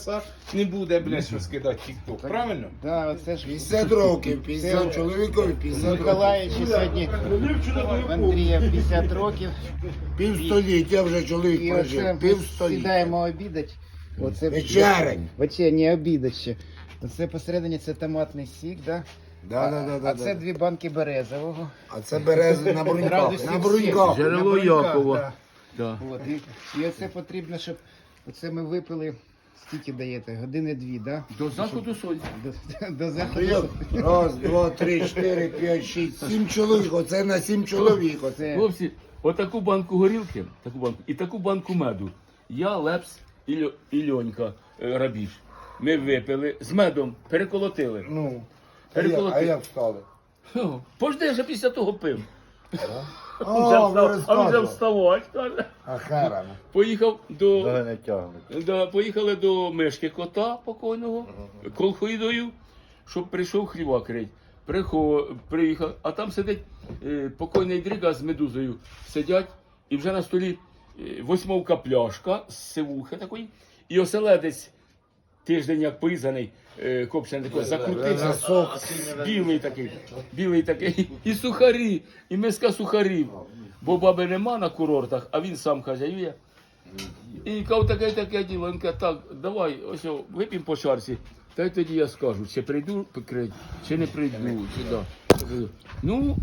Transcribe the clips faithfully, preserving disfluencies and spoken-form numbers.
не буде, блядь, що скидати тік-ток, правильно? Да, оце ж п'ятдесят років, п'ятдесят чоловікові, п'ятдесят років. Миколаївичу сьогодні в Андрія п'ятдесят років. Півстоліття вже чоловік І оце прожив, ми півстоліття. сідаємо обідати. Оце Вечерень. Вечерні обідати ще. Оце посередині це томатний сік, да? Да, да, да, да, а це да. дві банки березового. А це берези на бруньках, Радості на всіх. бруньках. Джерело На бруньках, Якова. да. Да. От, і, і оце потрібно, щоб оце ми випили. Скільки даєте? Години дві, да? До заходу сонця. До, до То заходу. як? Раз, два, три, чотири, п'ять, шість, сім чоловік. Оце на сім чоловік. Оце. Це Хлопці, отаку банку горілки, таку банку, і таку банку меду. Я, Лепс і, Льо, і Льонька е, Рабіж. Ми випили з медом, переколотили. Ну, а як, Переколоти. а як стали? Хо, Пожди, я вже після того пив. А, Вже ви встав- а вже розказували. вставати, каже. А херами. Поїхав до, не тягнуть. да, поїхали до Мишки кота покойного, колхоїдою, щоб прийшов хліва крить. Прихо, приїхав, а там сидить е, покойний Дріга з медузою. Сидять, і вже на столі е, восьмовка пляшка з сивухи такої, і оселедець тиждень як поїзаний, е, копчений такий, закрутився, Сок. білий такий, білий такий, і сухарі, і миска сухарів. Бо баби нема на курортах, а він сам хазяює. І кав таке таке діло. Він каже, так, давай, ось о, вип'ємо по чарці. Та й тоді я скажу, чи прийду покрити, чи не прийду, чи да. Ну,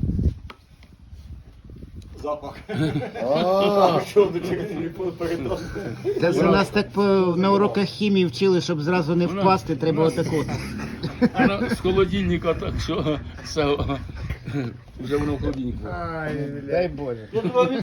А, Та це нас так по, на уроках хімії вчили, щоб зразу не впасти, треба отаку. вона з холодильника, так що все, вже воно в холодильнику. Дай Боже.